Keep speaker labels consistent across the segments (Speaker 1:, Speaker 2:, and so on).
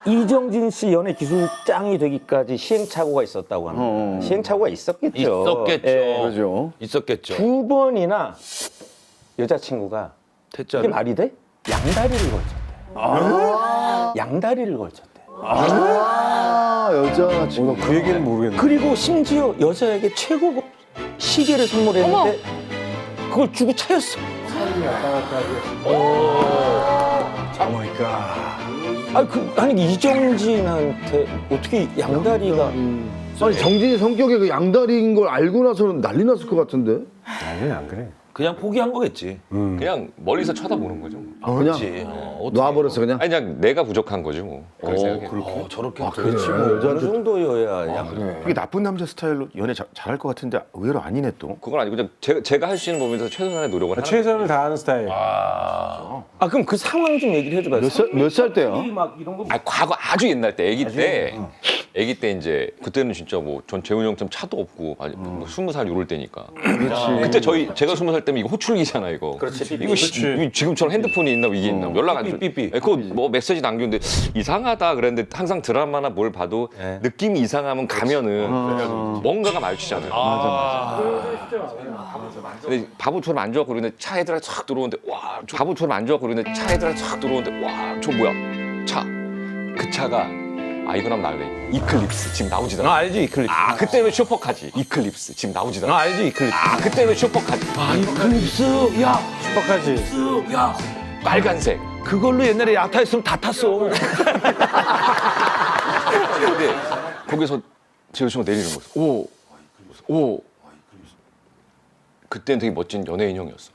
Speaker 1: 이정진 씨 연예 기술장이 되기까지 시행착오가 있었다고 합니다. 시행착오가 있었겠죠.
Speaker 2: 있었겠죠.
Speaker 1: 예.
Speaker 3: 그죠.
Speaker 2: 있었겠죠.
Speaker 1: 두 번이나 여자친구가 이게
Speaker 2: 퇴짜를.
Speaker 1: 말이 돼? 양다리를 걸쳤대. 양다리를 걸쳤대.
Speaker 3: 여자 친구.
Speaker 4: 그 얘기는 모르겠네.
Speaker 1: 그리고 심지어 여자에게 최고급 시계를 선물했는데 그걸 주고 차였어. 아니 이정진한테 어떻게 양다리가
Speaker 3: 아니 정진이 성격이 그 양다리인 걸 알고 나서는 난리 났을 것 같은데.
Speaker 4: 아니 안 그래.
Speaker 2: 그냥 포기한 거겠지.
Speaker 5: 그냥 멀리서 쳐다보는 거죠.
Speaker 3: 그냥 놔버렸어 그냥.
Speaker 5: 아니 그냥 내가 부족한 거지 뭐. 그렇게 생각해.
Speaker 2: 저렇게.
Speaker 1: 그렇지 뭐 어느 정도여야 양.
Speaker 4: 그게 나쁜 남자 스타일로 연애 잘할 것 같은데 의외로 아니네 또.
Speaker 5: 그건 아니고 그냥 제가 할 수 있는 범위에서 최선의 노력을 하는
Speaker 4: 최선을 다하는 스타일.
Speaker 1: 아 그럼 그 상황 좀 얘기를 해줘봐.
Speaker 3: 몇 살 때야?
Speaker 5: 아 과거 아주 옛날 때 아기 때 이제 그때는 진짜 뭐 전 재훈이 형처럼 차도 없고 아니 뭐 20살 요럴 때니까. 그때 제가 20살 때면 이거 호출기잖아 이거.
Speaker 1: 그렇지.
Speaker 5: 이거 이거 지금처럼 핸드폰이 있나 이게 있나 연락 안 줘.
Speaker 1: 삐삐삐.
Speaker 5: 그거 뭐 메시지 남겼는데 이상하다 그랬는데 항상 드라마나 뭘 봐도 느낌이 이상하면 가면은 뭔가가 마주치잖아요. 근데 바보처럼 앉아갖고 그러는데 차 애들아 쫙 들어오는데 와 바보처럼 앉아갖고 그러는데 차 애들아 쫙 들어오는데 와 저 뭐야 그 차가 이건 한번 나올래 이클립스 지금 나오지도 않아.
Speaker 1: 알지 이클립스.
Speaker 5: 그때는 슈퍼카지 이클립스 지금 나오지도 않아.
Speaker 1: 알지 이클립스.
Speaker 5: 그때는 슈퍼카지
Speaker 1: 이클립스 야
Speaker 4: 슈퍼까지.
Speaker 5: 빨간색.
Speaker 1: 그걸로 옛날에 야타했으면 다 탔어.
Speaker 5: 근데 거기서 제 여자친구가 내리는 거였어. 오. 그때는 되게 멋진 연예인 형이었어.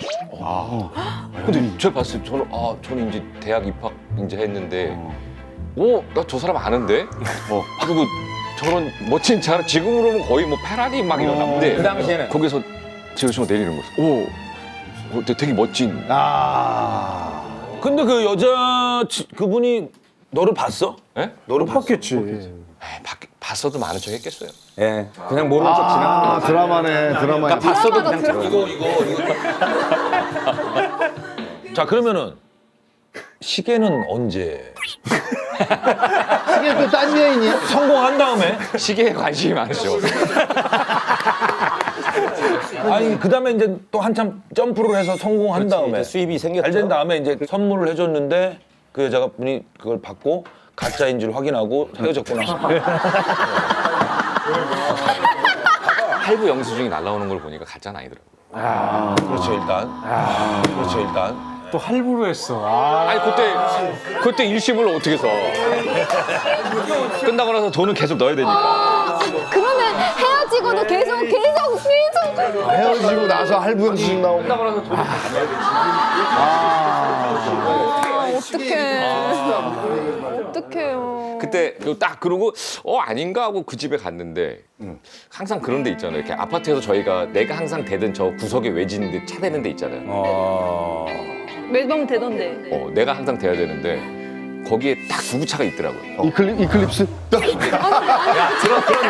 Speaker 5: 근데 제가 봤을 때 저는 이제 대학 입학 이제 했는데 나 저 사람 아는데? 그리고 저런 멋진 차 지금으로 보면 거의 뭐 페라리 막 이러는데
Speaker 1: 그 당시에는
Speaker 5: 거기서 제 여자친구가 내리는 거였어. 되게 멋진.
Speaker 2: 근데 그 여자 그분이 너를 봤어?
Speaker 5: 예?
Speaker 2: 너를
Speaker 4: 봤겠지.
Speaker 5: 봤어도 많은 척 했겠어요.
Speaker 1: 예 그냥 모르는 척 지나가는 거지.
Speaker 3: 드라마네 드라마.
Speaker 1: 봤어도 그냥 들어.
Speaker 2: 이거. 자 그러면은 시계는 언제?
Speaker 3: 이게 또 딴 여인이야?
Speaker 2: 성공한 다음에?
Speaker 5: 시계에 관심이 많으셔.
Speaker 2: 아니 그다음에 이제 또 한참 점프를 해서 성공한 다음에
Speaker 1: 이제 수입이 생겼죠.
Speaker 2: 잘 된 다음에 이제 선물을 해줬는데 그 여자분이 그걸 받고 가짜인 줄 확인하고 헤어졌구나.
Speaker 5: 할부 영수증이 날라오는 걸 보니까 가짜는 아니더라고요.
Speaker 2: 그렇죠 일단.
Speaker 4: 또 할부로 했어.
Speaker 5: 아니 그때 일시불로 어떻게 써? 끝나고 나서 돈은 계속 넣어야 되니까.
Speaker 6: 그러면 헤어지고도 계속.
Speaker 3: 헤어지고 나서 할부 영수증 나오고.
Speaker 5: 끝나고 나서 돈은
Speaker 6: 어떡해요.
Speaker 5: 그때 딱 그러고 아닌가 하고 그 집에 갔는데 항상 그런 데 있잖아요. 이렇게 아파트에서 저희가 내가 항상 대던 저 구석에 외진 데 차 대는 데 있잖아요.
Speaker 6: 매번 되던데.
Speaker 5: 내가 항상 대야 되는데 거기에 딱 구구차가 있더라고요.
Speaker 3: 이클립스?
Speaker 5: 야 그런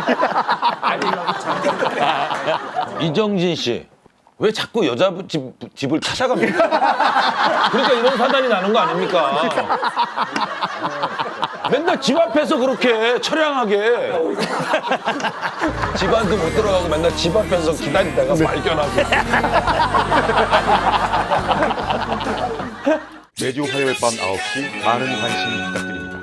Speaker 5: 느낌.
Speaker 2: 이정진 씨. 왜 자꾸 여자 집을 찾아갑니까? 그러니까 이런 사단이 나는 거 아닙니까? 맨날 집 앞에서 그렇게 처량하게 집 안도 못 들어가고 맨날 집 앞에서 기다리다가 발견하고.
Speaker 4: 매주 화요일 밤 9시 많은 관심 부탁드립니다.